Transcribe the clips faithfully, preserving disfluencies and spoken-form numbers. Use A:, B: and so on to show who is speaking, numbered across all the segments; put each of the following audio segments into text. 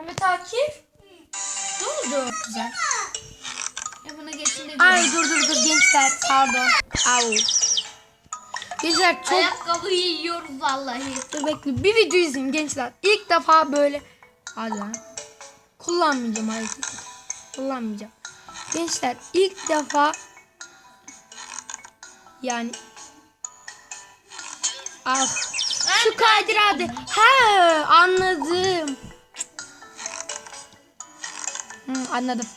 A: Mehmet Akif. Ne oldu?
B: Güzel.
A: E buna geçin de.
B: Ay dur dur dur gençler pardon. Au. Gençler çok...
A: Ayakkabıyı yiyoruz vallahi.
B: Dur bekle bir video izleyin gençler. İlk defa böyle. Hadi lan. Kullanmayacağım hareketi. Kullanmayacağım. Gençler ilk defa yani ah şu kaydır hadi. He anladım. Hı, anladım.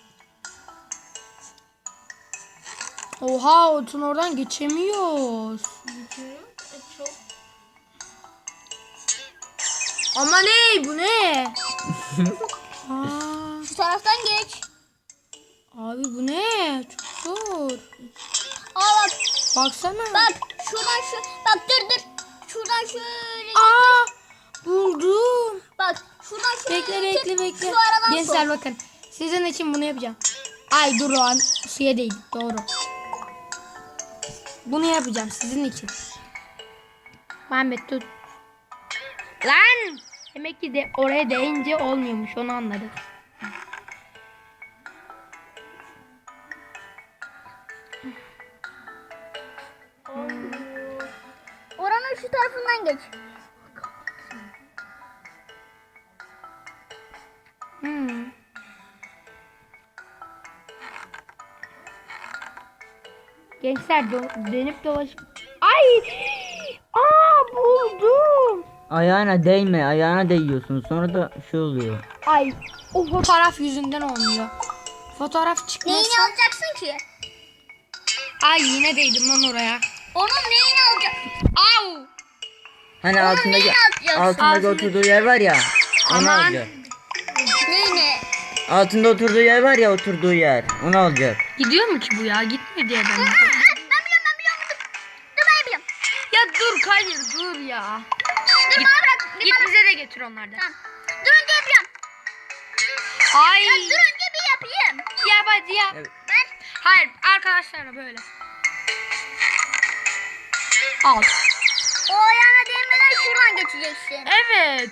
B: Oha Otun oradan geçemiyoruz.
A: Geçiyorum. E, çok.
B: Ama ne bu ne? Aa,
C: Şu taraftan geç.
B: abi bu ne? Çok zor.
C: Aa bak.
B: Baksana.
C: Bak şuradan şu. Bak dur dur. Şuradan şöyle.
B: Aa buldum.
C: Bak şuradan şöyle.
B: Bekle bekle bekle.
C: Şu aradan
B: Gençler
C: sok.
B: bakın. Sizin için bunu yapacağım. Ay dur lan. Suya değil. Doğru. Bunu yapacağım sizin için. Muhammed tut. Lan. Demek ki de oraya değince olmuyormuş. Onu anladım.
C: Oranın şu tarafından geç.
B: Hmm. Gençler do- dönüp dolaşıp. Ay! Aa buldum.
D: Ayağına değme, ayağına değiyorsun. Sonra da şey oluyor.
B: Ay o fotoğraf yüzünden olmuyor. Fotoğraf çıkmasa.
C: Neyini alacaksın ki?
B: Ay yine değdim lan oraya.
C: Onun neyini alacaksın?
B: Au!
D: Hani altındaki
C: neyini alacaksın?
D: altındaki
B: Altında-
D: oturduğu yer var ya. Onu
B: Aman.
D: alacak.
C: Neyini?
D: Altında oturduğu yer var ya, oturduğu yer. Onu alacak.
B: Gidiyor mu ki bu ya? Gitmiyor diye ben.
C: Aa, ben biliyorum ben biliyorum. Dur, dur ben biliyorum.
B: Ya dur Kadir dur ya.
C: Dur bana bırak. Bir
B: Git
C: bana.
B: bize de getir onlardan.
C: Tamam. Dur önce yapıyorum.
B: Ay.
C: Ya dur önce bir yapayım.
B: Ya hadi ya.
D: Evet.
C: Ben
B: Hayır arkadaşlarla böyle. Al.
C: o ayağına değmeden şuradan geçeceksin.
B: Evet.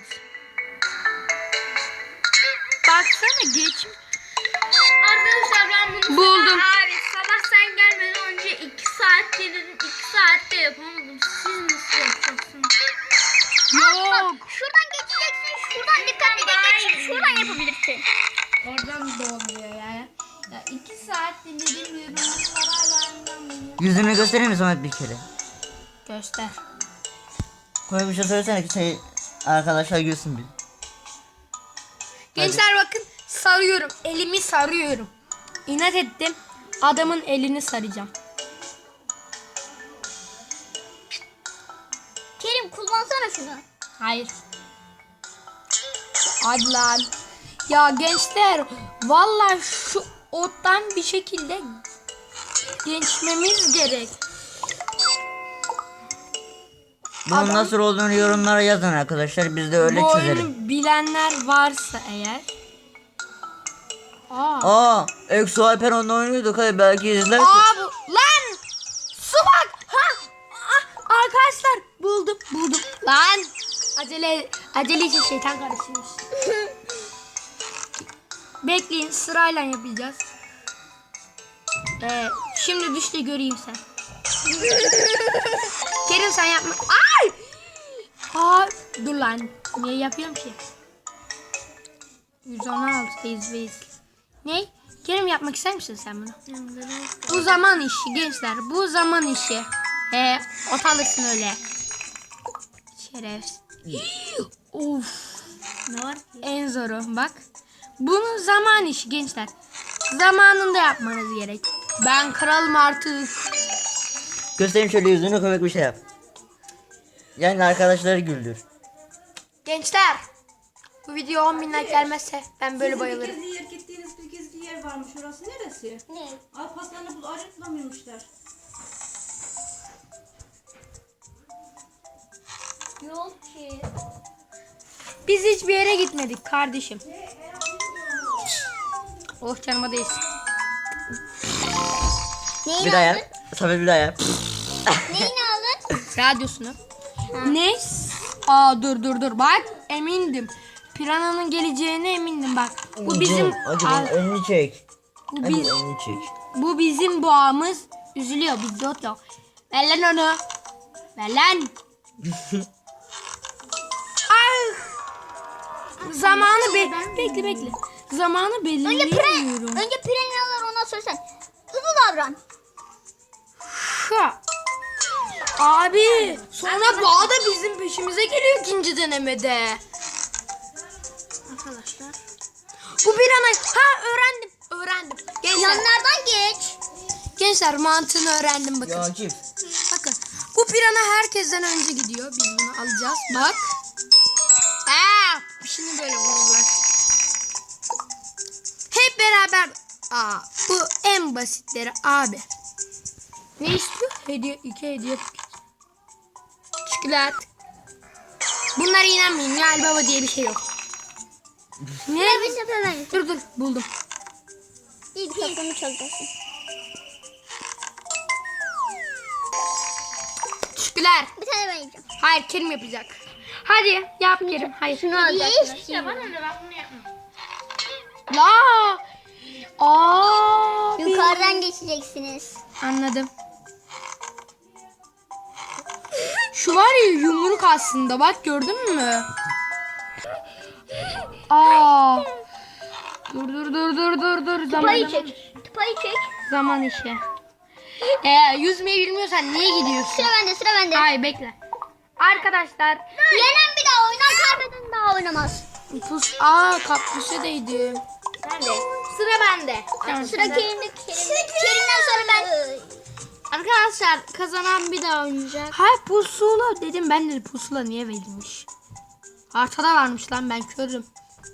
B: Baksana geç.
A: Arkadaşlar ben bunu
B: Buldum.
A: sabah, abi sabah sen gelmeden önce iki saat dedim. iki saatte yapamadım. Siz nasıl yapacaksınız?
B: Yok.
C: Şuradan geçeceksin. Şuradan dikkatli geç. Şuradan yapabilirsin.
A: Oradan da olmuyor yani. Ya iki saat dinledim yorumlar hala bunu.
D: Yüzünü göstereyim mi Samet bir kere?
B: Göster.
D: Koy bir şey söylesene ki şey arkadaşlar gülsün bir.
B: Gençler bakın sarıyorum. Elimi sarıyorum. İnat ettim. Adamın elini saracağım.
C: Kerim kullansana şunu.
B: Hayır. Hadi lan. Ya gençler vallahi şu ottan bir şekilde geçmemiz gerek.
D: Bunun
B: Adam-
D: nasıl olduğunu yorumlara yazın arkadaşlar. Biz de öyle
B: Bu
D: çözelim.
B: oyunu bilenler varsa eğer. Aa.
D: Aa, Exo Alper onunla oynuyorduk. Hadi belki izlersin.
B: Aa bu lan. Su bak. Ha. Ah, arkadaşlar buldum buldum. Lan. Acele acele için şeytan karışmış. Bekleyin sırayla yapacağız. Ee, şimdi düştü göreyim sen. Kerim sen yapma. Ay! Aa, dur lan. Niye yapıyorum ki? yüz on altıdayız biz. Ne? Kerim yapmak ister misin sen bunu? Bu zaman işi gençler. Bu zaman işi. He, ot alırsın öyle. Şerefsiz. Of.
A: Ne var ki?
B: En zoru bak. Bunun zaman işi gençler. Zamanında yapmanız gerek. Ben kralım artık.
D: Göstereyim şöyle yüzünü, komik bir şey yap. Yani arkadaşları güldür.
B: Gençler. Bu video on bin like gelmezse ben böyle bayılırım.
E: Gizli yer, gittiğiniz bir gizli yer varmış. Orası neresi?
C: Ne?
E: Alparslan'ı bul, arayıp bulamıyormuşlar.
C: Yok ki.
B: Biz hiçbir yere gitmedik kardeşim. Oh canıma değsin.
C: Neyini
D: Bir daha
C: aldın?
D: yap. Samet bir daha yap.
C: Neyini aldın?
B: Radyosunu. Ne? Aa dur dur dur bak emindim. Piranha'nın geleceğine emindim bak. Bu bizim
D: Hadi
B: Al-
D: bunun önünü çek.
B: bu,
D: Hadi
B: biz,
D: önünü çek.
B: bu bizim boğamız üzülüyor. Biz yok yok. Ver lan onu. Ver lan. Ay. Zamanı be bekle bekle. Zamanı
C: Önce pren,
B: belirleyemiyorum.
C: önce piranyalar ona söylesen. Hızlı davran.
B: Ha. Abi sonra boğa da bizim peşimize geliyor ikinci denemede. Arkadaşlar. Bu piranha ha öğrendim. Öğrendim. Gençler,
C: Yanlardan geç.
B: gençler mantığını öğrendim bakın.
D: Ya Akif.
B: Bakın. Bu piranha herkesten önce gidiyor. Biz bunu alacağız. Bak. Aa, şimdi böyle vururlar. Hep beraber. Aa, bu en basitleri abi. Ne istiyor? Hediye, iki hediye paketi. Çikolat. Bunlara inanmayın. Nihal Baba diye bir şey yok. Ne?
C: Bir sefer ben.
B: Dur dur buldum.
C: İlk takımı çalacaksın.
B: Çikolat.
C: Bir tane ben yiyeceğim.
B: Hayır Kerim yapacak. Hadi yap Kerim. Hayır.
C: Şunu alacaksın.
A: Ya bana ne bak bunu yapma.
B: La. Aa.
C: Yukarıdan geçeceksiniz.
B: Anladım. Şu var ya yumruk aslında. Bak gördün mü? Aa. Dur dur dur dur dur dur. Zaman,
C: Tıpayı çek. Tıpayı çek.
B: zaman işi. Eğer yüzmeyi bilmiyorsan niye gidiyorsun?
C: Sıra bende, sıra bende.
B: Ay bekle. Arkadaşlar.
C: Yenen bir daha oynar, kaybeden daha oynamaz.
B: Pus. Aa kaktüse değdim.
A: Bende. Sıra bende.
B: Tamam.
C: Sıra Kerim'de. Kerim. Kerim'den sonra ben.
A: Arkadaşlar kazanan bir daha oynayacak.
B: Ha pusula dedim ben de pusula niye verilmiş? Haritada varmış lan ben körüm.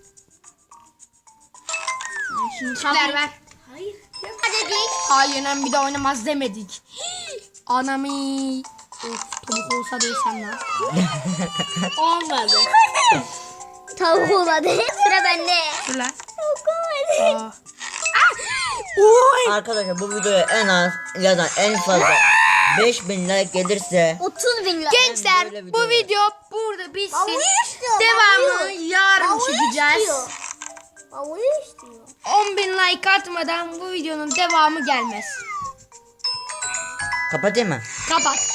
A: Şimdi
B: Ver ver.
A: Hayır.
C: Hadi dik.
B: Hayır yenen bir de oynamaz demedik. Anami. Of tavuk olsa desem lan.
A: Olmadı.
C: Tavuk olmadı. Sıra bende.
B: Dur lan.
C: Tavuk olmadı.
B: Aa. Oy.
D: Arkadaşlar bu videoya en az ya da en fazla beş bin like gelirse
C: otuz bin lira.
B: Gençler
D: böyle video
B: bu
D: var.
B: video burada bitsin.
C: Bavuyu istiyor,
B: Devamını
C: bavuyu.
B: yarın
C: Bavuyu
B: çekeceğiz.
C: istiyor. Bavuyu istiyor.
B: on bin like atmadan bu videonun devamı gelmez.
D: kapatayım mı?
B: Kapat.